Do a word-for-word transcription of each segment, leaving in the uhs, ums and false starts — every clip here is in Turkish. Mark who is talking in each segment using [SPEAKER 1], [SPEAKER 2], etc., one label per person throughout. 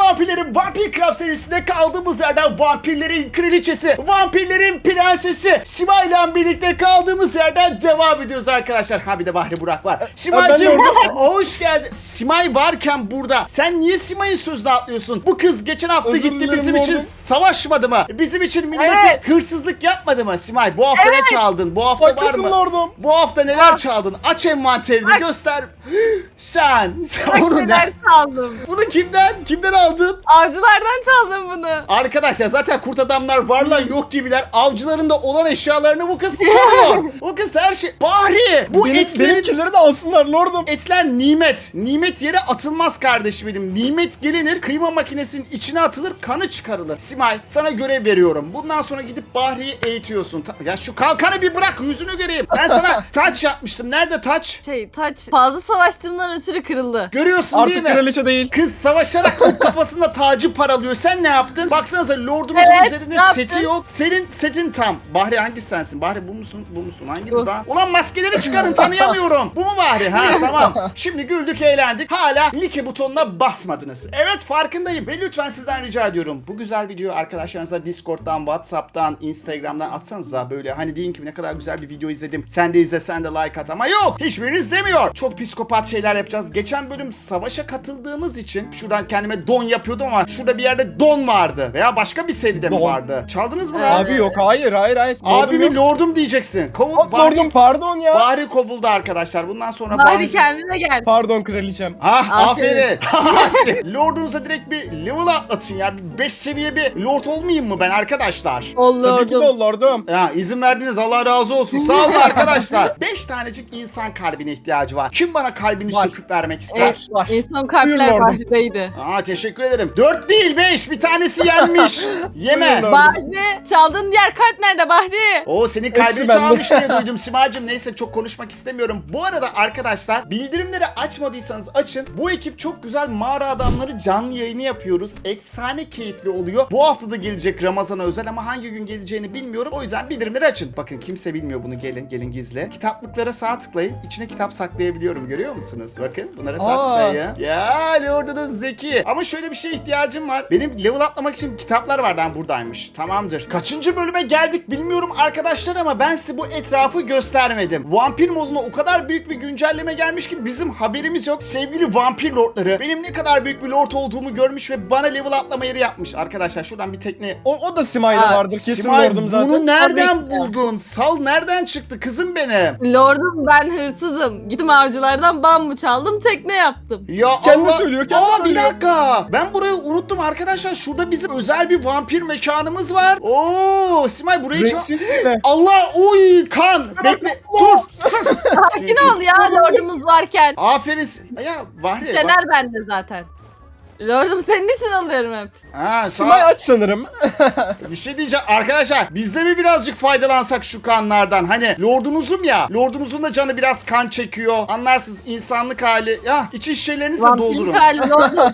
[SPEAKER 1] vampirlerin Vampircraft serisinde kaldığımız yerden vampirlerin kraliçesi, vampirlerin prensesi Simay ile birlikte kaldığımız yerden devam ediyoruz arkadaşlar. Ha bir de Bahri Burak var. Simay'cığım hoş geldin. Simay varken burada sen niye Simay'ın sözünü atlıyorsun? Bu kız geçen hafta
[SPEAKER 2] Özür
[SPEAKER 1] gitti
[SPEAKER 2] dilerim
[SPEAKER 1] bizim için
[SPEAKER 2] oğlum.
[SPEAKER 1] savaşmadı mı? Bizim için millete
[SPEAKER 3] Evet.
[SPEAKER 1] hırsızlık yapmadı mı Simay? Bu hafta
[SPEAKER 3] Evet.
[SPEAKER 1] ne çaldın? Bu hafta var
[SPEAKER 2] Haklısın
[SPEAKER 1] mı?
[SPEAKER 2] lordum.
[SPEAKER 1] Bu hafta neler çaldın? Aç envanterini göster. Sen. Sen bunu, ne?
[SPEAKER 3] Neler çaldım.
[SPEAKER 1] Bunu kimden? Kimden aldın?
[SPEAKER 3] Avcılardan çaldım bunu.
[SPEAKER 1] Arkadaşlar zaten kurt adamlar varlar yok gibiler. Avcıların da olan eşyalarını bu kız çalıyor. Bu kız her şey. Bahri bu
[SPEAKER 2] Benim,
[SPEAKER 1] etlerin...
[SPEAKER 2] benimkileri de alsınlar lordum.
[SPEAKER 1] Etler nimet. Nimet yere atılmaz kardeşim benim. Nimet gelinir, kıyma makinesinin içine atılır, kanı çıkarılır. Simay sana görev veriyorum. Bundan sonra gidip Bahri'yi eğitiyorsun. Ta- ya şu kalkanı bir bırak, yüzünü göreyim. Ben sana taç yapmıştım. Nerede taç?
[SPEAKER 3] Şey taç fazla savaştığımdan ötürü kırıldı.
[SPEAKER 1] Görüyorsun
[SPEAKER 2] Artık
[SPEAKER 1] değil mi?
[SPEAKER 2] kraliçe değil.
[SPEAKER 1] Kız savaşarak o kafasında tacı paralıyor. Sen ne yaptın? Baksanıza lordumuzun
[SPEAKER 3] Evet,
[SPEAKER 1] üzerinde
[SPEAKER 3] ne
[SPEAKER 1] seti
[SPEAKER 3] yaptın?
[SPEAKER 1] yok. Senin setin tam. Bahri hangisi sensin? Bahri bu musun? Bu musun? Hanginiz daha? Ulan maskeleri çıkarın, tanıyamıyorum. Bu mu Bahri? Ha tamam. Şimdi güldük eğlendik. Hala like butonuna basmadınız. Evet farkındayım. Ve lütfen sizden rica ediyorum. Bu güzel videoyu arkadaşlarınıza Discord'dan, Whatsapp'tan, Instagram'dan atsanıza böyle. Hani deyin ki ne kadar güzel bir video izledim. Sen de izle, sen de like at ama yok. Hiçbiriniz demiyor. Çok psikopat şeyler yapacağız. Geçen bölüm savaşa katıldığımız için şuradan kendime don yapıyordum ama şurada bir yerde don vardı. Veya başka bir seride mi
[SPEAKER 2] Don.
[SPEAKER 1] vardı? Çaldınız mı
[SPEAKER 3] Evet.
[SPEAKER 1] lan?
[SPEAKER 2] Abi yok hayır hayır hayır.
[SPEAKER 1] Abimi
[SPEAKER 2] Lordum yok.
[SPEAKER 1] lordum diyeceksin. Kovul,
[SPEAKER 2] Bak,
[SPEAKER 1] Bahri,
[SPEAKER 2] lordum pardon ya.
[SPEAKER 1] Bahri kovuldu arkadaşlar. Bundan sonra
[SPEAKER 3] Bari kendine gel.
[SPEAKER 2] Pardon kraliçem.
[SPEAKER 1] Ah
[SPEAKER 3] Aferin.
[SPEAKER 1] aferin. Lordunuza direkt bir level atlatın ya. beş seviye bir lord olmayayım mı ben arkadaşlar?
[SPEAKER 2] Tabii ki de
[SPEAKER 3] Olurdum.
[SPEAKER 2] ol lordum.
[SPEAKER 1] Ya izin verdiniz, Allah razı olsun. Sağ olun arkadaşlar. beş tanecik insan kalbine ihtiyacı var. Kim bana kalbini
[SPEAKER 2] Var.
[SPEAKER 1] söküp vermek ister?
[SPEAKER 3] Evet,
[SPEAKER 2] Var.
[SPEAKER 3] en son
[SPEAKER 2] Buyur
[SPEAKER 3] kalpler
[SPEAKER 2] lordum.
[SPEAKER 3] Bahri'deydi.
[SPEAKER 1] Aa teşekkür ederim. dört değil beş. Bir tanesi yenmiş. Yeme.
[SPEAKER 2] Buyurun lordum.
[SPEAKER 3] Bahri çaldığın diğer kalp nerede Bahri?
[SPEAKER 1] O senin
[SPEAKER 2] Hepsi
[SPEAKER 1] kalbini
[SPEAKER 2] bende.
[SPEAKER 1] çalmış diye duydum Simacığım. Neyse çok konuşmak istemiyorum. Bu arada arkadaşlar bildirimleri açmadıysanız açın. Bu ekip çok güzel mağara adamları canlı yayını yapıyoruz. Efsane keyifli oluyor. Bu hafta da gelecek Ramazan'a özel ama hangi gün geleceğini bilmiyorum. O yüzden bildirimleri açın. Bakın kimse bilmiyor bunu. Gelin gelin gizli. Kitaplıklara sağ tıklayın. İçine kitap saklayabiliyorum. Görüyor musunuz? Bakın bunlara sağ
[SPEAKER 2] Aa.
[SPEAKER 1] tıklayın. Ya Lordunuz zeki. Ama şöyle bir şeye ihtiyacım var. Benim level atlamak için kitaplar vardı. Ha, buradaymış. Tamamdır. Kaçıncı bölüme geldik bilmiyorum arkadaşlar ama ben size bu etrafı göstermedim. Vampir moduna o kadar büyük bir güncelleme gelmiş ki bizim haberimiz yok. Sevgili vampir lordları benim ne kadar büyük bir lord olduğumu görmüş ve bana level atlama yeri yapmış. Arkadaşlar şuradan bir tekne.
[SPEAKER 2] O, o da Simay'da
[SPEAKER 3] Aa,
[SPEAKER 2] vardır kesin
[SPEAKER 1] Simay
[SPEAKER 2] lordum zaten.
[SPEAKER 1] bunu nereden
[SPEAKER 3] Tabii ki.
[SPEAKER 1] buldun? Sal nereden çıktı kızım benim?
[SPEAKER 3] Lordum ben hırsızım. Gittim avcılardan bambu çaldım tekne yaptım.
[SPEAKER 1] Ya
[SPEAKER 2] Kendi
[SPEAKER 1] Allah-
[SPEAKER 2] söylüyor, kendi
[SPEAKER 1] Aa, bir
[SPEAKER 2] söylüyor.
[SPEAKER 1] dakika. Ben burayı unuttum arkadaşlar. Şurada bizim özel bir vampir mekanımız var. Oo, Simay burayı çal...
[SPEAKER 2] Renksiz mi?
[SPEAKER 1] Allah oy kan. Bekle. Dur.
[SPEAKER 3] Sakin ol ya lordumuz varken.
[SPEAKER 1] Aferin. Ya Bahri. bak-
[SPEAKER 3] Caner bende zaten. Lordum senin için alıyorum hep.
[SPEAKER 1] Ha, sağ-
[SPEAKER 2] Simay aç sanırım.
[SPEAKER 1] Bir şey diyeceğim arkadaşlar, biz de mi birazcık faydalansak şu kanlardan? Hani lordunuzum ya, lordunuzun da canı biraz kan çekiyor, anlarsınız insanlık hali. Ya içi şişelerinizi de doldurun.
[SPEAKER 3] Vampir hali lordum.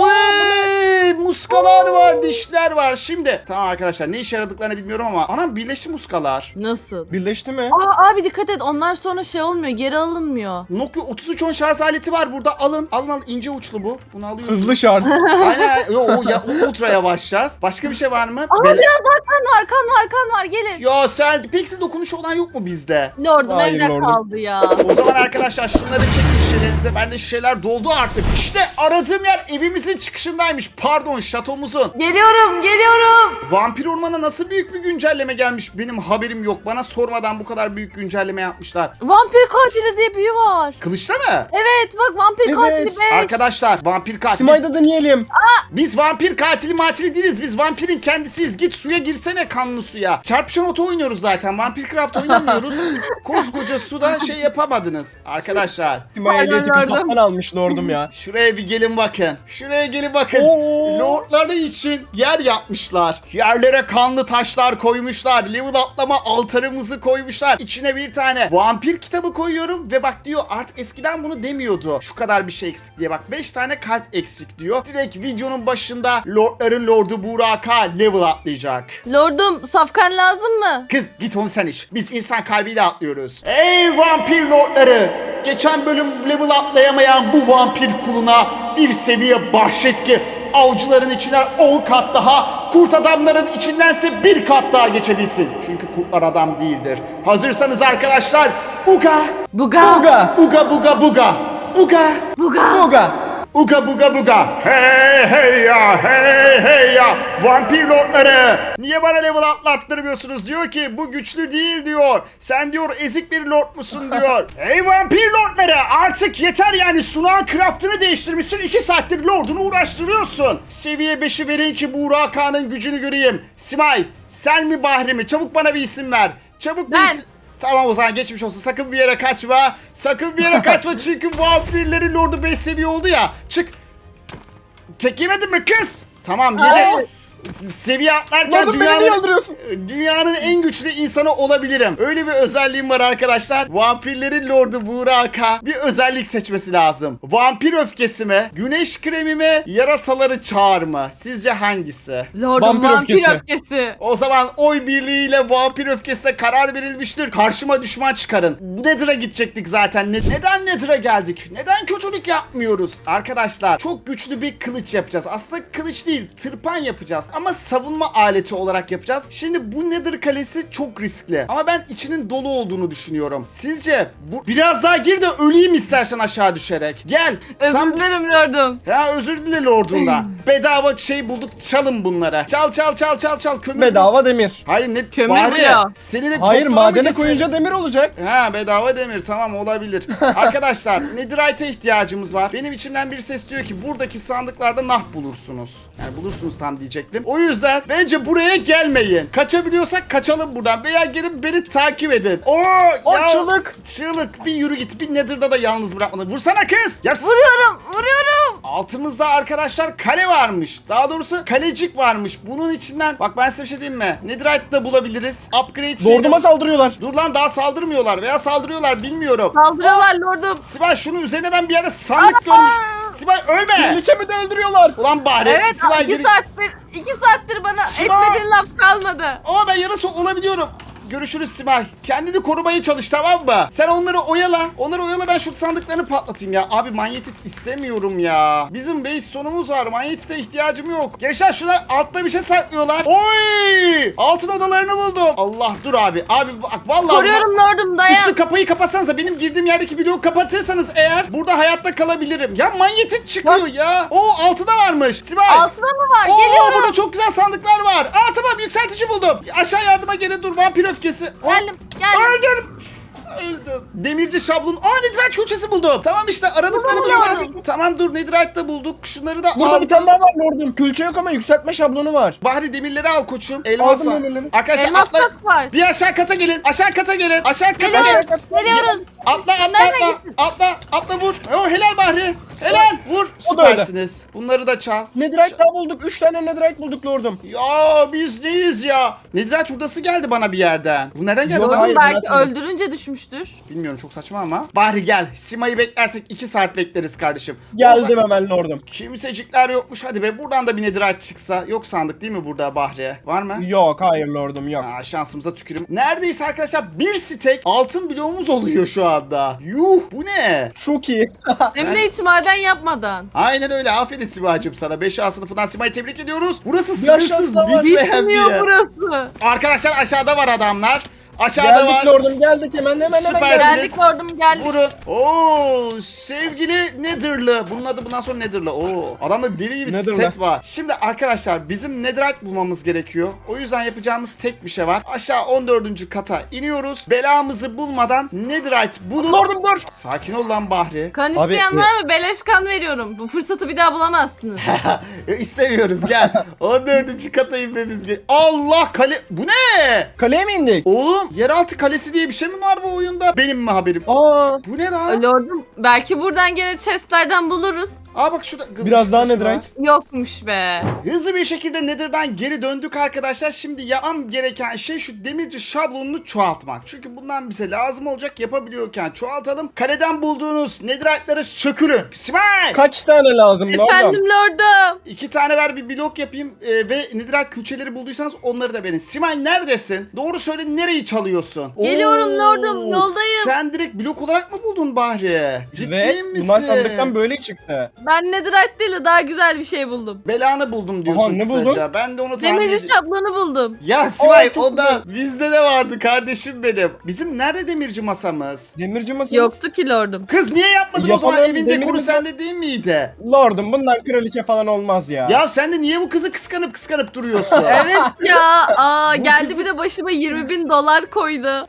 [SPEAKER 1] Oy, muskalar var, dişler var. Şimdi tamam arkadaşlar, ne işe yaradıklarını bilmiyorum ama anam birleşti muskalar.
[SPEAKER 3] Nasıl?
[SPEAKER 2] Birleşti mi?
[SPEAKER 3] Aa abi dikkat et onlar sonra şey olmuyor geri alınmıyor.
[SPEAKER 1] Nokia otuz üç on şarj aleti var burada, alın alın alın, ince uçlu bu, bunu alıyorsunuz.
[SPEAKER 2] Hızlı şarj.
[SPEAKER 1] Aynen, yo, o, ya, o ultra yavaş şarj. Başka bir şey var mı?
[SPEAKER 3] Aa
[SPEAKER 1] Bele-
[SPEAKER 3] biraz daha kan var kan var kan var gelin.
[SPEAKER 1] Ya sen pek dokunuşu olan yok mu bizde?
[SPEAKER 3] Lordum
[SPEAKER 2] Hayır,
[SPEAKER 3] evde
[SPEAKER 2] lordum.
[SPEAKER 3] kaldı ya.
[SPEAKER 1] O zaman arkadaşlar şunları çekin şişelerinize. Bende şişeler doldu artık. İşte aradığım yer evimizin çıkışındaymış. Pardon, şatomuzun.
[SPEAKER 3] Geliyorum geliyorum.
[SPEAKER 1] Vampir Orman'a nasıl büyük bir güncelleme gelmiş? Benim haberim yok. Bana sormadan bu kadar büyük güncelleme yapmışlar.
[SPEAKER 3] Vampir katili diye büyü var.
[SPEAKER 1] Kılıçta mı?
[SPEAKER 3] Evet bak vampir
[SPEAKER 2] Evet.
[SPEAKER 3] katili beş.
[SPEAKER 1] Arkadaşlar vampir katil. Biz,
[SPEAKER 2] Simay'da deneyelim.
[SPEAKER 1] biz vampir katili matili değiliz. Biz vampirin kendisiyiz. Git suya girsene, kanlı suya. Çarpışan oto oynuyoruz zaten. Vampircraft oynamıyoruz. Koskoca suda şey yapamadınız. Arkadaşlar
[SPEAKER 2] Simay'a hediye tipi
[SPEAKER 3] lordum.
[SPEAKER 2] sattan almış lordum ya.
[SPEAKER 1] şuraya bir gelin bakın. Şuraya gelin bakın.
[SPEAKER 2] Oo.
[SPEAKER 1] Lordları için yer yapmışlar. Yerlere kanlı taşlar koymuşlar. Level atlama altarımızı koymuşlar. İçine bir tane vampir kitabı koyuyorum ve bak diyor artık eskiden bunu demiyordu. Şu kadar bir şey eksik diye, bak beş tane kalp eksik diyor. Direkt videonun başında Lordların Lordu Burak'a level atlayacak.
[SPEAKER 3] Lordum safkan lazım mı?
[SPEAKER 1] Kız git onu sen iç. Biz insan kalbiyle atlıyoruz. Ey vampir lordları! Geçen bölüm level atlayamayan bu vampir kuluna bir seviye bahşet ki avcıların içine on kat daha, kurt adamların içindense bir kat daha geçebilsin. Çünkü kurtlar adam değildir. Hazırsanız arkadaşlar, uga,
[SPEAKER 3] Buga.
[SPEAKER 2] Buga.
[SPEAKER 1] uga buga buga, uga,
[SPEAKER 3] Buga.
[SPEAKER 2] Buga.
[SPEAKER 1] uga buga buga. Hey hey ya, hey hey ya, vampir lordları. Niye bana level atlattırmıyorsunuz? Diyor ki bu güçlü değil diyor. Sen diyor ezik bir lord musun diyor. Hey vampir lordları, artık yeter yani, sunağın craftını değiştirmişsin. iki saattir lordunu uğraştırıyorsun. Seviye beşi verin ki bu Buraka'nın gücünü göreyim. Simay, sen mi Bahri mi? Çabuk bana bir isim ver. Çabuk bir
[SPEAKER 3] Ben.
[SPEAKER 1] isim. Tamam o zaman geçmiş olsun. Sakın bir yere kaçma. Sakın bir yere kaçma çünkü vampirlerin lordu beş seviye oldu ya. Çık. Tek yemedin mi kız? Tamam yedi.
[SPEAKER 3] Hayır.
[SPEAKER 1] Seviye atlarken
[SPEAKER 2] Oğlum beni niye
[SPEAKER 1] dünyanın,
[SPEAKER 2] öldürüyorsun?
[SPEAKER 1] dünyanın en güçlü insanı olabilirim. Öyle bir özelliğim var arkadaşlar. Vampirlerin lordu Burak'a bir özellik seçmesi lazım. Vampir öfkesi mi? Güneş kremi mi? Yarasaları çağır mı? Sizce hangisi?
[SPEAKER 3] Lordum
[SPEAKER 2] Vampir
[SPEAKER 3] vampir,
[SPEAKER 2] öfkesi.
[SPEAKER 3] öfkesi.
[SPEAKER 1] O zaman oy birliğiyle vampir öfkesine karar verilmiştir. Karşıma düşman çıkarın. Nether'a gidecektik zaten. Ne- neden Nether'a geldik? Neden kötülük yapmıyoruz? Arkadaşlar çok güçlü bir kılıç yapacağız. Aslında kılıç değil, tırpan yapacağız. Ama savunma aleti olarak yapacağız. Şimdi bu Nether kalesi çok riskli. Ama ben içinin dolu olduğunu düşünüyorum. Sizce bu biraz daha gir de öleyim istersen aşağı düşerek. Gel.
[SPEAKER 3] Özür
[SPEAKER 1] Sen-
[SPEAKER 3] dilerim lordum.
[SPEAKER 1] Ya özür dile lordunda. Bedava şey bulduk, çalın bunları. Çal çal çal çal çal kömür.
[SPEAKER 2] Bedava demir.
[SPEAKER 1] Hayır ne
[SPEAKER 3] Kömür
[SPEAKER 1] bari
[SPEAKER 3] bu ya.
[SPEAKER 1] seni de
[SPEAKER 2] Hayır,
[SPEAKER 1] doktora mı
[SPEAKER 2] madene
[SPEAKER 1] getir-
[SPEAKER 2] koyunca demir olacak.
[SPEAKER 1] Ha bedava demir, tamam olabilir. Arkadaşlar Netherite'e ihtiyacımız var. Benim içimden bir ses diyor ki buradaki sandıklarda nah bulursunuz. Yani bulursunuz tam diyecektim. O yüzden bence buraya gelmeyin. Kaçabiliyorsak kaçalım buradan veya gelin beni takip edin. Oo
[SPEAKER 2] O
[SPEAKER 1] ya,
[SPEAKER 2] çığlık.
[SPEAKER 1] Çığlık bir yürü git, bir Nether'da da yalnız bırakmadı. Vursana kız. Ya,
[SPEAKER 3] Vuruyorum, vuruyorum.
[SPEAKER 1] altımızda arkadaşlar kale varmış. Daha doğrusu kalecik varmış. Bunun içinden bak ben size bir şey diyeyim mi? Netherite de bulabiliriz. Upgrade şeyi
[SPEAKER 2] Lorduma
[SPEAKER 1] de...
[SPEAKER 2] saldırıyorlar.
[SPEAKER 1] Dur lan, daha saldırmıyorlar veya saldırıyorlar bilmiyorum.
[SPEAKER 3] Saldırıyorlar lordum.
[SPEAKER 1] Sibel şunun üzerine ben bir yerde sandık görmüş. Sibel ölme.
[SPEAKER 2] Kraliçemi de öldürüyorlar.
[SPEAKER 1] Ulan bari.
[SPEAKER 3] Evet,
[SPEAKER 1] Sibel
[SPEAKER 3] iki
[SPEAKER 1] geri...
[SPEAKER 3] saattir, iki saattir bana
[SPEAKER 1] Sibel.
[SPEAKER 3] etmediğin laf kalmadı.
[SPEAKER 1] Ama ben yarısı olabiliyorum. Görüşürüz Simay. Kendini korumaya çalış, tamam mı? Sen onları oyala. Onları oyala, ben şu sandıklarını patlatayım ya. Abi manyetit istemiyorum ya. Bizim base sonumuz var. Manyetite ihtiyacım yok. Gençler şunlar altta bir şey saklıyorlar. Oy! Altın odalarını buldum. Allah dur abi. Abi bak vallahi.
[SPEAKER 3] Koruyorum lordum, dayan.
[SPEAKER 1] Üstü kapıyı kapatsanıza, benim girdiğim yerdeki bloğu kapatırsanız eğer burada hayatta kalabilirim. Ya manyetik çıkıyor ya. O altı da varmış. Sibel.
[SPEAKER 3] Altına mı var?
[SPEAKER 1] Oo,
[SPEAKER 3] Geliyorum.
[SPEAKER 1] burada çok güzel sandıklar var. Aa tamam, yükseltici buldum. Aşağı yardıma gelin, dur vampir öfkesi. Oh,
[SPEAKER 3] Geldim, geldim.
[SPEAKER 1] öldüm. Öldüm. Demirci şablon. Aa Netherite külçesi buldum. Tamam işte aradıklarımız
[SPEAKER 3] Buldum,
[SPEAKER 1] var.
[SPEAKER 3] buldum.
[SPEAKER 1] Tamam dur, Netherite de bulduk. Şunları da
[SPEAKER 2] Burada
[SPEAKER 1] al.
[SPEAKER 2] bir tane daha var lordum. Külçe yok ama yükseltme şablonu var.
[SPEAKER 1] Bahri demirleri al koçum. Elmas
[SPEAKER 2] Aldım
[SPEAKER 1] var.
[SPEAKER 2] demirleri.
[SPEAKER 1] Arkadaşlar
[SPEAKER 3] Elmas
[SPEAKER 1] atla.
[SPEAKER 3] kat var.
[SPEAKER 1] Bir aşağı kata gelin. Aşağı kata gelin. Aşağı kata gelin.
[SPEAKER 3] Geliyoruz, geliyoruz.
[SPEAKER 1] Atla atla
[SPEAKER 3] Nereden
[SPEAKER 1] atla.
[SPEAKER 3] gittin?
[SPEAKER 1] Atla atla vur. Oh helal Bahri. Helal vur.
[SPEAKER 2] O da öyle.
[SPEAKER 1] Süpersiniz. Bunları da çal.
[SPEAKER 2] Netherite daha bulduk. Üç tane netherite bulduk lordum.
[SPEAKER 1] Ya biz neyiz ya? Netherite hurdası geldi bana bir yerden. Bu nereden geldi
[SPEAKER 2] Yok,
[SPEAKER 1] lan?
[SPEAKER 2] hayır,
[SPEAKER 3] Belki
[SPEAKER 2] bırakmadım.
[SPEAKER 3] öldürünce düşmüştür.
[SPEAKER 1] Bilmiyorum, çok saçma ama. Bahri gel. Sima'yı beklersek iki saat bekleriz kardeşim. O
[SPEAKER 2] Geldim
[SPEAKER 1] zaten-
[SPEAKER 2] hemen lordum.
[SPEAKER 1] Kimsecikler yokmuş. Hadi be, buradan da bir Netherite çıksa. Yok sandık değil mi burada Bahri? Var mı?
[SPEAKER 2] Yok hayır lordum yok.
[SPEAKER 1] Aa, şansımıza tükürüm. Neredeyse arkadaşlar bir stek altın bloğumuz oluyor şu anda. Yuh, bu ne?
[SPEAKER 2] Çok iyi.
[SPEAKER 3] Hem de hiç maden yapmadan.
[SPEAKER 1] Aynen öyle. Aferin Sima'cığım sana. beş A sınıfından Sima'yı tebrik ediyoruz. Burası
[SPEAKER 2] Bir
[SPEAKER 1] sınırsız
[SPEAKER 2] aşağısı var.
[SPEAKER 1] bitmeyen bir
[SPEAKER 3] Bitmiyor
[SPEAKER 1] yer.
[SPEAKER 3] burası.
[SPEAKER 1] Arkadaşlar aşağıda var adamlar. Aşağıda
[SPEAKER 2] Geldik
[SPEAKER 1] var.
[SPEAKER 2] lordum geldik hemen hemen hemen
[SPEAKER 1] Süpersiniz.
[SPEAKER 2] geldik.
[SPEAKER 3] Geldik lordum, geldik.
[SPEAKER 1] Vurun. Oo, sevgili Nether'lı. Bunun adı bundan sonra Nether'lı. Oo, adamda deli gibi
[SPEAKER 2] Nether'lı.
[SPEAKER 1] set var. Şimdi arkadaşlar bizim Netherite bulmamız gerekiyor. O yüzden yapacağımız tek bir şey var. Aşağı on dördüncü kata iniyoruz. Belamızı bulmadan Netherite bulup...
[SPEAKER 2] Lordum dur.
[SPEAKER 1] Sakin ol lan Bahri.
[SPEAKER 3] Kan
[SPEAKER 2] Abi,
[SPEAKER 3] isteyen
[SPEAKER 2] e-
[SPEAKER 3] var mı? Beleş kan veriyorum. Bu fırsatı bir daha bulamazsınız.
[SPEAKER 1] İstemiyoruz, gel. on dördüncü kata inmemiz gerekiyor. Allah, kale... Bu ne?
[SPEAKER 2] Kaleye mi indik?
[SPEAKER 1] Oğlum yeraltı kalesi diye bir şey mi var bu oyunda? Benim mi haberim?
[SPEAKER 2] Aa.
[SPEAKER 1] Bu ne lan?
[SPEAKER 3] Lordum, belki buradan gene chestlerden buluruz.
[SPEAKER 1] Aa bak şurada kılıç
[SPEAKER 2] Biraz daha
[SPEAKER 1] taşı var.
[SPEAKER 2] Netherite.
[SPEAKER 3] Yokmuş be.
[SPEAKER 1] Hızlı bir şekilde Nether'dan geri döndük arkadaşlar. Şimdi yapmam gereken şey şu demirci şablonunu çoğaltmak. Çünkü bundan bize lazım olacak, yapabiliyorken çoğaltalım. Kaleden bulduğunuz Netherite'ları sökülün. Simay!
[SPEAKER 2] Kaç tane lazım lordum?
[SPEAKER 3] Efendim lordum.
[SPEAKER 1] İki tane ver, bir blok yapayım ee, ve Netherite külçeleri bulduysanız onları da verin. Simay neredesin? Doğru söyle, nereyi çalıyorsun?
[SPEAKER 3] Geliyorum
[SPEAKER 1] Oo,
[SPEAKER 3] lordum, yoldayım.
[SPEAKER 1] Sen direkt blok olarak mı buldun Bahri? Ciddi
[SPEAKER 2] Evet,
[SPEAKER 1] misin?
[SPEAKER 2] bunlar sandıktan böyle çıktı.
[SPEAKER 3] Ben netherite değil de daha güzel bir şey buldum.
[SPEAKER 1] Belanı buldum diyorsun
[SPEAKER 2] Aha, ne
[SPEAKER 1] kısaca.
[SPEAKER 2] buldun?
[SPEAKER 1] Ben de onu tahmin
[SPEAKER 3] Demirci
[SPEAKER 1] ediyorum.
[SPEAKER 3] şablonu buldum.
[SPEAKER 1] Ya Sivay
[SPEAKER 2] Aa, çok
[SPEAKER 1] o da bizde de vardı kardeşim benim. Bizim nerede demirci masamız?
[SPEAKER 2] Demirci masası.
[SPEAKER 3] Yoktu ki lordum.
[SPEAKER 1] Kız niye yapmadın o zaman?
[SPEAKER 2] Yapalım,
[SPEAKER 1] Evin dekoru
[SPEAKER 2] demirimiz var.
[SPEAKER 1] sende değil miydi?
[SPEAKER 2] Lordum bundan kraliçe falan olmaz ya.
[SPEAKER 1] Ya sen de niye bu kızı kıskanıp kıskanıp duruyorsun?
[SPEAKER 3] Evet ya. Aa,
[SPEAKER 1] Bu
[SPEAKER 3] geldi
[SPEAKER 1] kızı-
[SPEAKER 3] bir de başıma yirmi bin dolar koydu.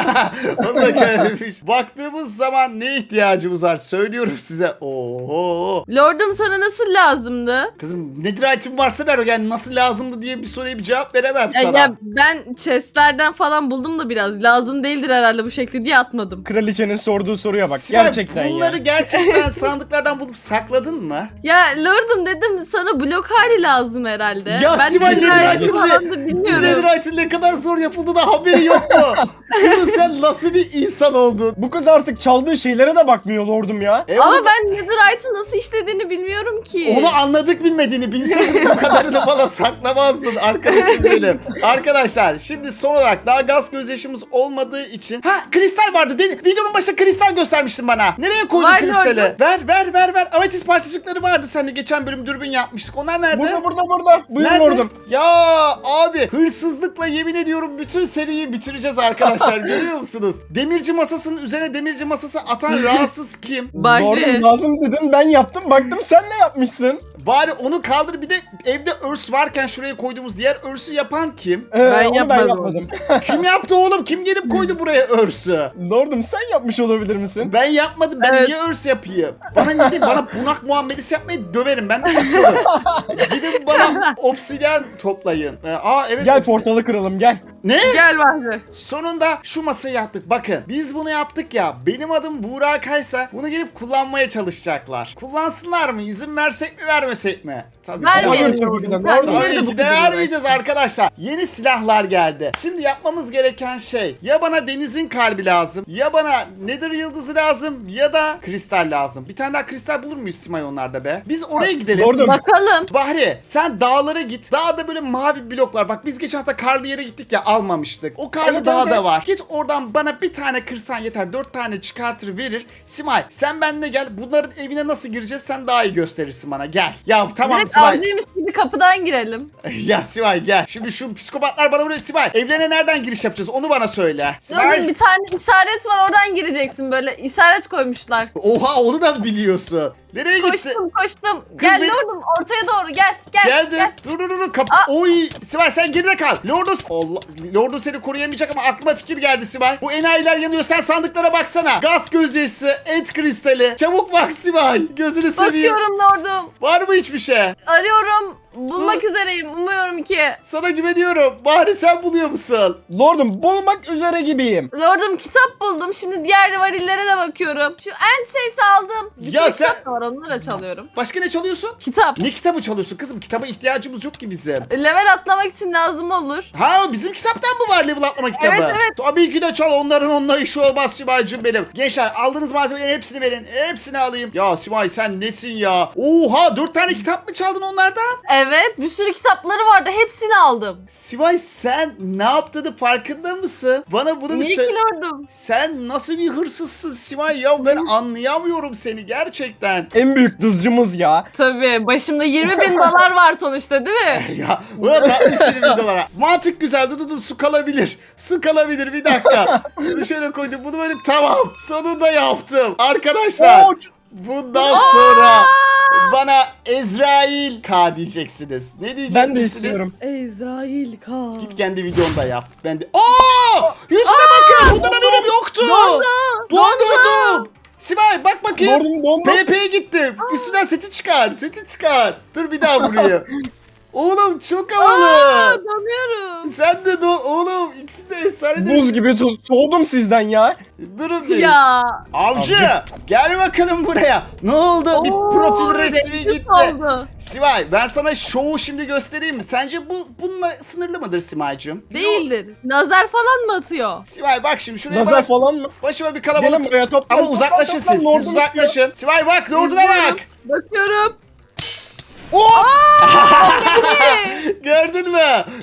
[SPEAKER 1] Onu da görmüş. Baktığımız zaman ne ihtiyacımız var söylüyorum size. Oho.
[SPEAKER 3] Lordum sana nasıl lazımdı?
[SPEAKER 1] Kızım nedir item varsa ver o, yani nasıl lazımdı diye bir soruya bir cevap veremem
[SPEAKER 3] Ya,
[SPEAKER 1] sana.
[SPEAKER 3] ya ben chestlerden falan buldum da biraz. Lazım değildir herhalde bu şekilde diye atmadım.
[SPEAKER 2] Kraliçenin sorduğu soruya bak.
[SPEAKER 1] Sibel,
[SPEAKER 2] Gerçekten
[SPEAKER 1] bunları
[SPEAKER 2] ya.
[SPEAKER 1] gerçekten sandıklardan bulup sakladın mı?
[SPEAKER 3] Ya lordum dedim sana blok hali lazım herhalde.
[SPEAKER 1] Ya
[SPEAKER 3] ben
[SPEAKER 1] Sibel,
[SPEAKER 3] netherite
[SPEAKER 1] netherite'ın
[SPEAKER 3] falan
[SPEAKER 1] ne-
[SPEAKER 3] da bilmiyorum.
[SPEAKER 1] Netherite'in ne kadar zor yapıldığına haberi yok mu? Kızım sen nasıl bir insan oldun?
[SPEAKER 2] Bu kız artık çaldığı şeylere de bakmıyor lordum ya.
[SPEAKER 1] E,
[SPEAKER 3] Ama
[SPEAKER 1] onu-
[SPEAKER 3] ben netherite'ın nasıl işlediğini bilmiyorum ki.
[SPEAKER 1] Onu anladık bilmediğini. Bilseydin bu kadarını bana saklamazdın arkadaşım benim. Arkadaşlar şimdi son olarak daha gaz gözyaşımız olmadığı için. Ha kristal vardı. Dedi. Videonun başında kristal göstermiştin bana. Nereye koydun
[SPEAKER 3] Var
[SPEAKER 1] kristali?
[SPEAKER 3] gördüm.
[SPEAKER 1] Ver ver ver ver. Ametist parçacıkları vardı sende. Geçen bölüm dürbün yapmıştık. Onlar nerede?
[SPEAKER 2] Burada burada burada. Buyurun
[SPEAKER 1] Nerede?
[SPEAKER 2] lordum.
[SPEAKER 1] Ya abi hırsızlıkla yemin ediyorum bütün seriyi bitireceğiz arkadaşlar. Görüyor musunuz? Demirci masasının üzerine demirci masası atan rahatsız kim?
[SPEAKER 3] Bahri.
[SPEAKER 2] Lordum lazım dedin, ben yaptım, baktım sen ne yapmışsın?
[SPEAKER 1] Bari onu kaldır, bir de evde örs varken şuraya koyduğumuz diğer örsü yapan kim?
[SPEAKER 2] Ee,
[SPEAKER 3] Ben
[SPEAKER 2] onu ben
[SPEAKER 3] yapmadım.
[SPEAKER 2] yapmadım.
[SPEAKER 1] Kim yaptı oğlum? Kim gelip koydu buraya örsü?
[SPEAKER 2] Lordum sen yapmış olabilir misin?
[SPEAKER 1] Ben yapmadım. Ben
[SPEAKER 3] Evet.
[SPEAKER 1] niye örs yapayım? Bana ne diyeyim? Bana bunak muamelesi yapmayı döverim. Ben bir takıyorum. Gidin bana obsidyen toplayın. Ee, aa evet.
[SPEAKER 2] Gel
[SPEAKER 1] obsidyen.
[SPEAKER 2] portalı kıralım gel.
[SPEAKER 1] Ne?
[SPEAKER 3] Gel Bahri.
[SPEAKER 1] Sonunda şu masayı yaptık. Bakın biz bunu yaptık ya. Benim adım Buğra Kaysa. Bunu gelip kullanmaya çalışacaklar. Kullansınlar mı? İzin versek mi vermesek mi? Tabii.
[SPEAKER 3] Vermeyelim.
[SPEAKER 2] Tabii ki de,
[SPEAKER 3] lordum.
[SPEAKER 2] lordum.
[SPEAKER 3] Kendileri de
[SPEAKER 1] Tabii
[SPEAKER 3] bu
[SPEAKER 1] ki de
[SPEAKER 3] kızı
[SPEAKER 1] vermeyeceğiz arkadaşlar. Yeni silahlar geldi. Şimdi yapmamız gereken şey, ya bana denizin kalbi lazım, ya bana nether yıldızı lazım, ya da kristal lazım. Bir tane daha kristal bulur muyuz Simay onlarda be? Biz oraya gidelim.
[SPEAKER 2] Lordum.
[SPEAKER 3] Bakalım.
[SPEAKER 1] Bahri sen dağlara git. Dağda böyle mavi bloklar. Bak biz geçen hafta karlı yere gittik ya, almamıştık. O karlı
[SPEAKER 2] Evet,
[SPEAKER 1] dağda
[SPEAKER 2] evet.
[SPEAKER 1] var. Git oradan bana bir tane kırsan yeter. Dört tane çıkartır verir. Simay sen benimle gel. Bunların evine nasıl gireceğiz sen daha iyi gösterirsin bana. Gel. Ya tamam
[SPEAKER 3] Direkt
[SPEAKER 1] Simay.
[SPEAKER 3] avcıymış gibi kapıdan girelim.
[SPEAKER 1] Ya Sivay gel. Şimdi şu psikopatlar bana vuruyor. Sivay evlerine nereden giriş yapacağız onu bana söyle.
[SPEAKER 3] Lordum
[SPEAKER 1] Sivay.
[SPEAKER 3] bir tane işaret var oradan gireceksin böyle. İşaret koymuşlar.
[SPEAKER 1] Oha onu da mı biliyorsun? Nereye gitti?
[SPEAKER 3] Koştum koştum. Gel
[SPEAKER 1] beni-
[SPEAKER 3] lordum ortaya doğru gel. Gel.
[SPEAKER 1] Geldim.
[SPEAKER 3] Gel.
[SPEAKER 1] Dur dur dur. Kap
[SPEAKER 3] Aa.
[SPEAKER 1] Oy Sivay sen geride kal. Lordus. Allah. Lordus seni koruyamayacak ama aklıma fikir geldi Sivay. Bu enayiler yanıyor. Sen sandıklara baksana. Gaz gözyaşısı, et kristali. Çabuk bak Sivay. Gözünü seveyim.
[SPEAKER 3] Bakıyorum lordum.
[SPEAKER 1] Var mı hiçbir şey?
[SPEAKER 3] Arıyorum. Bulmak
[SPEAKER 1] Dur.
[SPEAKER 3] üzereyim. Umuyorum ki.
[SPEAKER 1] Sana güveniyorum. Bari sen buluyor musun?
[SPEAKER 2] Lordum bulmak üzere gibiyim.
[SPEAKER 3] Lordum kitap buldum. Şimdi diğer varillere de bakıyorum. Şu end şeysi aldım. Bir
[SPEAKER 1] Ya
[SPEAKER 3] sürü
[SPEAKER 1] sen-
[SPEAKER 3] kitap da var onları çalıyorum.
[SPEAKER 1] Başka ne çalıyorsun?
[SPEAKER 3] Kitap.
[SPEAKER 1] Ne kitabı çalıyorsun kızım? Kitaba ihtiyacımız yok ki bizim.
[SPEAKER 3] Level atlamak için lazım olur.
[SPEAKER 1] Ha bizim kitaptan mı var level atlama kitabı?
[SPEAKER 3] Evet, evet.
[SPEAKER 1] Tabii ki de çal, onların onunla işi olmaz Simay'cım benim. Gençler aldığınız malzemelerin hepsini verin. Hepsini alayım. Ya Simay sen nesin ya? Oha dört tane kitap mı çaldın onlardan?
[SPEAKER 3] Evet bir sürü kitapları vardı. Hepsini aldım.
[SPEAKER 1] Simay sen ne yaptığını farkında mısın? Bana bunu bir
[SPEAKER 3] Niye
[SPEAKER 1] söyle.
[SPEAKER 3] ki lordum?
[SPEAKER 1] Sen nasıl bir hırsızsın Simay ya? Ben anlayamıyorum seni gerçekten.
[SPEAKER 2] En büyük dızcımız ya.
[SPEAKER 3] Tabii başımda yirmi bin dolar var sonuçta değil mi?
[SPEAKER 1] Ya bu da tatlı şey bir dolara. Mantık güzel. Dur dur dur su kalabilir. Su kalabilir bir dakika. Şunu şöyle koydum. Bunu böyle tamam. Sonunda yaptım. Arkadaşlar.
[SPEAKER 2] Oo,
[SPEAKER 1] Bundan sonra bana Ezrail K diyeceksiniz. Ne diyeceksiniz?
[SPEAKER 2] ben de istiyorum.
[SPEAKER 3] Ezrail Khan.
[SPEAKER 1] Git kendi videonda yap. Ben de. Aa! Yüzüne bakın. Bundan haberim yoktu.
[SPEAKER 3] Dondu.
[SPEAKER 1] Dondurdum. Sibel bak bakayım.
[SPEAKER 2] Lordum dondu.
[SPEAKER 1] P P'ye gittim. Üstünden seti çıkar. Seti çıkar. Dur bir daha buraya. Oğlum çok havalı.
[SPEAKER 3] Aa, donuyorum.
[SPEAKER 1] Sen de do oğlum ikisi de efsane değil mi?
[SPEAKER 2] Buz gibi tuz. Soğudum sizden ya.
[SPEAKER 1] Durun bir.
[SPEAKER 3] Ya.
[SPEAKER 1] Avcı,
[SPEAKER 2] Avcı.
[SPEAKER 1] gel bakalım buraya. Ne oldu? Bir
[SPEAKER 3] Oo,
[SPEAKER 1] profil resmi
[SPEAKER 3] renkli
[SPEAKER 1] gitti.
[SPEAKER 3] oldu.
[SPEAKER 1] Sivay ben sana şovu şimdi göstereyim mi? Sence bu bununla sınırlı mıdır Simay'cığım?
[SPEAKER 3] Değildir. Nazar falan mı atıyor?
[SPEAKER 1] Sivay bak şimdi şuraya
[SPEAKER 2] Nazar
[SPEAKER 1] bana
[SPEAKER 2] falan mı?
[SPEAKER 1] başıma bir
[SPEAKER 2] Gelin
[SPEAKER 1] kalabalık.
[SPEAKER 2] buraya toplan.
[SPEAKER 1] Ama
[SPEAKER 2] toplan,
[SPEAKER 1] uzaklaşın
[SPEAKER 2] toplan,
[SPEAKER 1] siz.
[SPEAKER 2] lordum
[SPEAKER 1] Siz uzaklaşın. Sivay bak lorduna bak.
[SPEAKER 3] Bakıyorum.
[SPEAKER 1] Oh! Gördün mü?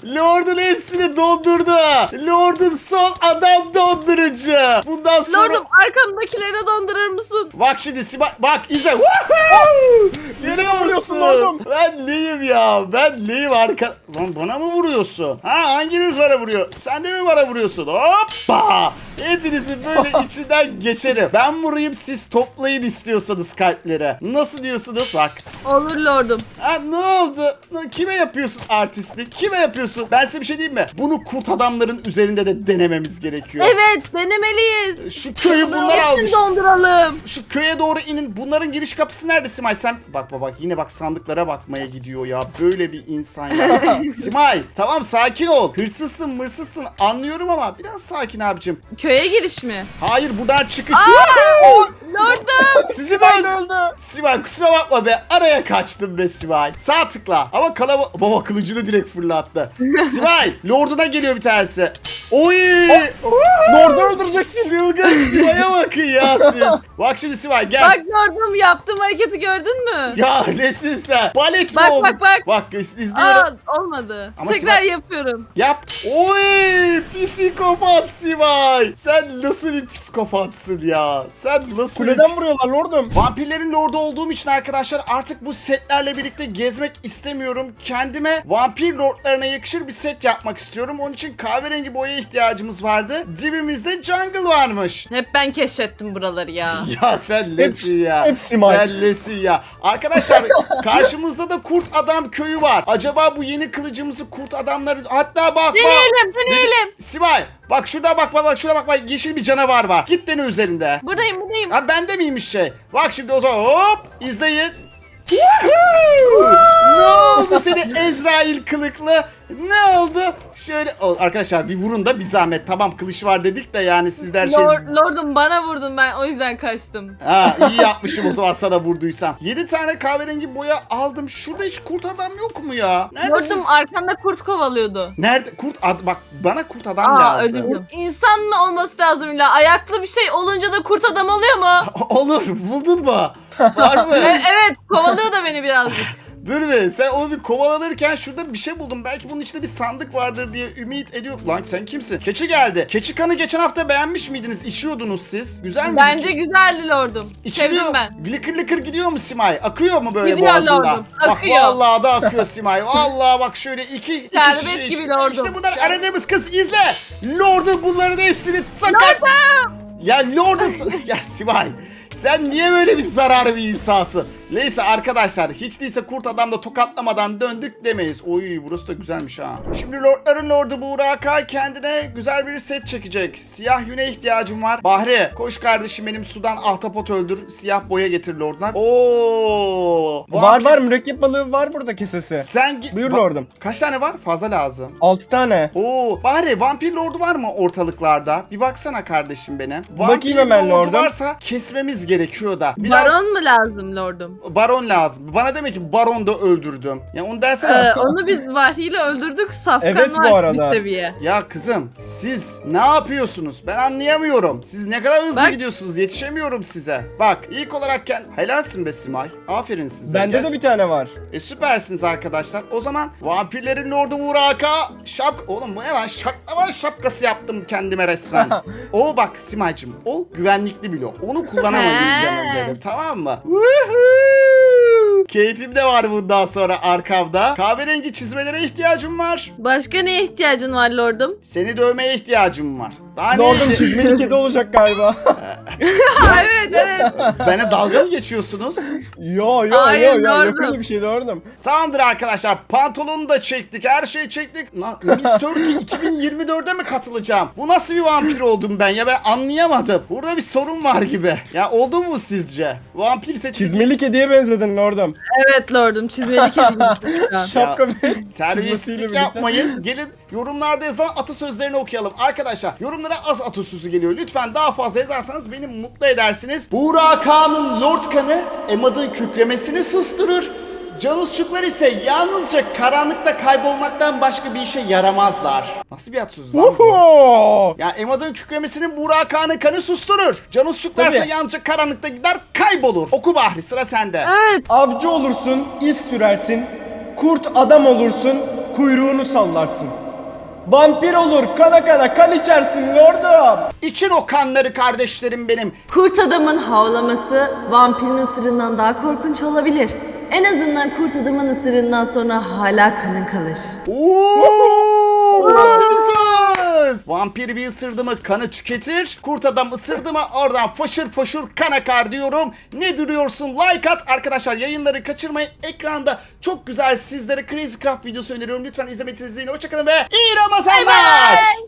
[SPEAKER 1] Lord'un hepsini dondurdu. Lord'un son adam dondurucu. Bundan sonra...
[SPEAKER 3] Lordum arkamdakileri dondurur musun?
[SPEAKER 1] Bak şimdi Sibel, bak izle. Woohoo!
[SPEAKER 2] Bize mi vuruyorsun
[SPEAKER 1] musun?
[SPEAKER 2] oğlum?
[SPEAKER 1] Ben neyim ya? Ben neyim arka... Lan bana mı vuruyorsun? Ha hanginiz bana vuruyor? Sen de mi bana vuruyorsun? Hoppa! Hepinizin böyle içinden geçerim. Ben vurayım siz toplayın istiyorsanız kalplere. Nasıl diyorsunuz? Bak.
[SPEAKER 3] Olur lordum.
[SPEAKER 1] Ha ne oldu? Kime yapıyorsun artistlik? Kime yapıyorsun? Ben size bir şey diyeyim mi? Bunu kurt adamların üzerinde de denememiz gerekiyor.
[SPEAKER 3] Evet denemeliyiz.
[SPEAKER 1] Şu köyü bunlar almış.
[SPEAKER 3] Hepsini donduralım.
[SPEAKER 1] Şu köye doğru inin. Bunların giriş kapısı nerede Simay? Sen bak bak bak yine bak sandıklara bakmaya gidiyor ya. Böyle bir insan ya. Simay tamam sakin ol. Hırsızsın mırsızsın anlıyorum ama biraz sakin abicim.
[SPEAKER 3] Köye giriş mi?
[SPEAKER 1] Hayır buradan çıkış.
[SPEAKER 3] Lordum.
[SPEAKER 1] Sizi
[SPEAKER 2] Ben
[SPEAKER 1] ben
[SPEAKER 2] öldü.
[SPEAKER 1] Simay kusura bakma be. Araya kaçtım be Simay. Sağ tıkla. Ama kalaba... Baba kılıcını direkt fırlattı. Simay Lord'una geliyor bir tanesi. Oy.
[SPEAKER 2] Lord'u öldüreceksin.
[SPEAKER 1] Çılgın Simay'a bakın ya siz. Bak şimdi Simay gel.
[SPEAKER 3] Bak lordum yaptığım hareketi gördün mü?
[SPEAKER 1] Ya nesin sen? Balet mi
[SPEAKER 3] Bak,
[SPEAKER 1] oldun?
[SPEAKER 3] bak, bak.
[SPEAKER 1] Bak iz- izliyorum.
[SPEAKER 3] Aa olmadı.
[SPEAKER 1] Ama
[SPEAKER 3] Tekrar
[SPEAKER 1] Sibel-
[SPEAKER 3] yapıyorum.
[SPEAKER 1] Yap. Oy psikopat Simay. Sen nasıl bir psikopatsın ya? Sen nasıl
[SPEAKER 2] Kuleden
[SPEAKER 1] bir pis-
[SPEAKER 2] vuruyorlar lordum.
[SPEAKER 1] Vampirlerin lordu olduğum için arkadaşlar artık bu setlerle birlikte gezmek istemiyorum. Kendime vampir lordlarına yakışır bir set yapmak istiyorum. Onun için kahverengi boyaya ihtiyacımız vardı. Dibimizde jungle varmış.
[SPEAKER 3] Hep ben keşfettim buraları ya.
[SPEAKER 1] Ya sen lesin ya.
[SPEAKER 2] hepsi Mike.
[SPEAKER 1] Sen lesin ya. Arkadaşlar karşımızda da kurt adam köyü var. Acaba bu yeni kılıcımızı kurt adamları... Hatta bak bak.
[SPEAKER 3] Deneyelim deneyelim.
[SPEAKER 1] Sibel bak şurada bak bak bak şurada bak bak yeşil bir canavar var. Git dene üzerinde.
[SPEAKER 3] Buradayım buradayım.
[SPEAKER 1] Ha bende miymiş şey? Bak şimdi o zaman hop izleyin. Woohoo! Ne oldu seni Ezrail kılıklı? Ne oldu? Şöyle o, arkadaşlar bir vurun da bir zahmet. Tamam kılıç var dedik de yani sizler şey...
[SPEAKER 3] Lord, lordum bana vurdun ben o yüzden kaçtım.
[SPEAKER 1] Ha iyi yapmışım o zaman sana vurduysam. yedi tane kahverengi boya aldım. Şurada hiç kurt adam yok mu ya? Neredesiniz?
[SPEAKER 3] Lordum arkanda kurt kovalıyordu.
[SPEAKER 1] Nerede? Kurt ad bak bana kurt adam
[SPEAKER 3] Aa
[SPEAKER 1] lazım.
[SPEAKER 3] öldürdüm. İnsan mı olması lazım illa? Ayaklı bir şey olunca da kurt adam oluyor mu?
[SPEAKER 1] Olur buldun mu? Var mı?
[SPEAKER 3] E- evet kovalıyor da beni birazcık.
[SPEAKER 1] Dur be sen onu bir kovalanırken şurada bir şey buldum. Belki bunun içinde bir sandık vardır diye ümit ediyorum. Lan sen kimsin? Keçi geldi. Keçi kanı geçen hafta beğenmiş miydiniz? İçiyordunuz siz. Güzel mi?
[SPEAKER 3] Bence güzeldi lordum.
[SPEAKER 1] İçiliyor.
[SPEAKER 3] Sevdim ben.
[SPEAKER 1] Lıkır lıkır gidiyor mu Simay? Akıyor mu böyle
[SPEAKER 3] Gidiyor
[SPEAKER 1] boğazında?
[SPEAKER 3] lordum, akıyor.
[SPEAKER 1] Bak vallahi da akıyor Simay. Vallahi bak şöyle iki, iki
[SPEAKER 3] Şerbet
[SPEAKER 1] şişe
[SPEAKER 3] gibi
[SPEAKER 1] içti.
[SPEAKER 3] lordum.
[SPEAKER 1] İşte bunlar aradığımız kız izle. Lord'un bunların hepsini sakar. Ya Lord'un... ya Simay. Sen niye böyle bir zararlı bir insansın? Neyse arkadaşlar hiç değilse kurt adamla tokatlamadan döndük demeyiz. Oy burası da güzelmiş ha. Şimdi lordların lordu Burak'a kendine güzel bir set çekecek. Siyah yüne ihtiyacım var. Bahri koş kardeşim benim sudan ahtapot öldür. Siyah boya getir lorduna. Oo.
[SPEAKER 2] Var var mürekkep balığı var burada kesesi.
[SPEAKER 1] Sen git.
[SPEAKER 2] Buyur
[SPEAKER 1] Ba-
[SPEAKER 2] lordum.
[SPEAKER 1] Kaç tane var? Fazla lazım.
[SPEAKER 2] altı tane.
[SPEAKER 1] Oo, Bahri vampir lordu var mı ortalıklarda? Bir baksana kardeşim benim.
[SPEAKER 2] Bakayım hemen
[SPEAKER 1] lordu
[SPEAKER 2] lordum.
[SPEAKER 1] varsa kesmemiz gerekiyor da. Biraz
[SPEAKER 3] Baron mu lazım lordum?
[SPEAKER 1] baron lazım. Bana demek ki baron da öldürdüm. Ya onu dersene.
[SPEAKER 3] Ee, onu biz vahyiyle öldürdük. Safkan
[SPEAKER 2] Evet, bu
[SPEAKER 3] var
[SPEAKER 2] arada.
[SPEAKER 3] bir seviye.
[SPEAKER 1] Ya kızım siz ne yapıyorsunuz? Ben anlayamıyorum. Siz ne kadar hızlı
[SPEAKER 3] Bak.
[SPEAKER 1] gidiyorsunuz. Yetişemiyorum size. Bak ilk olarak kend... Helalsin be Simay. Aferin size.
[SPEAKER 2] Bende
[SPEAKER 1] Gel-
[SPEAKER 2] de bir tane var.
[SPEAKER 1] E süpersiniz arkadaşlar. O zaman vampirlerin lordu Burak'a şap... Oğlum bu ne lan? Şaklaman şapkası yaptım kendime resmen. O bak Simay'cım o güvenlikli blok. Onu kullanamayız
[SPEAKER 3] He.
[SPEAKER 1] canım benim tamam mı? Keyfim de var bundan sonra arkamda. Kahverengi çizmelere ihtiyacım var.
[SPEAKER 3] Başka neye ihtiyacın var lordum?
[SPEAKER 1] Seni dövmeye ihtiyacım var. Daha ne
[SPEAKER 2] Lordum
[SPEAKER 1] ihti-
[SPEAKER 2] çizmeli kedi olacak galiba.
[SPEAKER 3] evet evet.
[SPEAKER 1] Bana dalga mı geçiyorsunuz?
[SPEAKER 2] yo yo
[SPEAKER 3] Hayır,
[SPEAKER 2] yo yo yok
[SPEAKER 3] lordum.
[SPEAKER 2] öyle bir şey lordum.
[SPEAKER 1] Tamamdır arkadaşlar. Pantolonu da çektik. Her şeyi çektik. Na- Miss Turkey iki bin yirmi dörde mi katılacağım? Bu nasıl bir vampir oldum ben ya? Ben anlayamadım. Burada bir sorun var gibi. Ya oldu mu sizce? Vampir seçimi...
[SPEAKER 2] Çizmeli kediye benzedin lordum.
[SPEAKER 3] Evet lordum çizmeli kedi gibi şu an.
[SPEAKER 2] Şapka ve çizmesiyle
[SPEAKER 1] Terbiyesizlik
[SPEAKER 2] birlikte.
[SPEAKER 1] yapmayın. Gelin yorumlarda yazılan atasözlerini okuyalım. Arkadaşlar yorumlara az atasözü geliyor. Lütfen daha fazla yazarsanız beni mutlu edersiniz. Buğra Kağan'ın Lord Kanı Emad'ın kükremesini susturur. Canusçuklar ise yalnızca karanlıkta kaybolmaktan başka bir işe yaramazlar. Nasıl bir atasözü lan bu?
[SPEAKER 2] Uhu!
[SPEAKER 1] Ya Emad'ın kükremesinin Buğra Kağan'ın kanı susturur. Canusçuklar ise
[SPEAKER 2] Tabii.
[SPEAKER 1] yalnızca karanlıkta gider kaybolur. Oku Bahri sıra sende.
[SPEAKER 3] Evet.
[SPEAKER 2] Avcı olursun, iz sürersin. Kurt adam olursun, kuyruğunu sallarsın. Vampir olur, kana kana kan içersin lordum.
[SPEAKER 1] İçin o kanları kardeşlerim benim.
[SPEAKER 3] Kurt adamın havlaması vampirin ısırığından daha korkunç olabilir. En azından kurt adamın ısırığından sonra hala kanın kalır.
[SPEAKER 1] Oo, nasıl bir söz? Vampir bir ısırdı mı kanı tüketir. Kurt adam ısırdı mı oradan foşur foşur kan akar diyorum. Ne duruyorsun? Like at. Arkadaşlar yayınları kaçırmayın. Ekranda çok güzel sizlere Crazy Craft videosu öneriyorum. Lütfen izlemenizi izleyin. Hoşçakalın ve iyi Ramazanlar.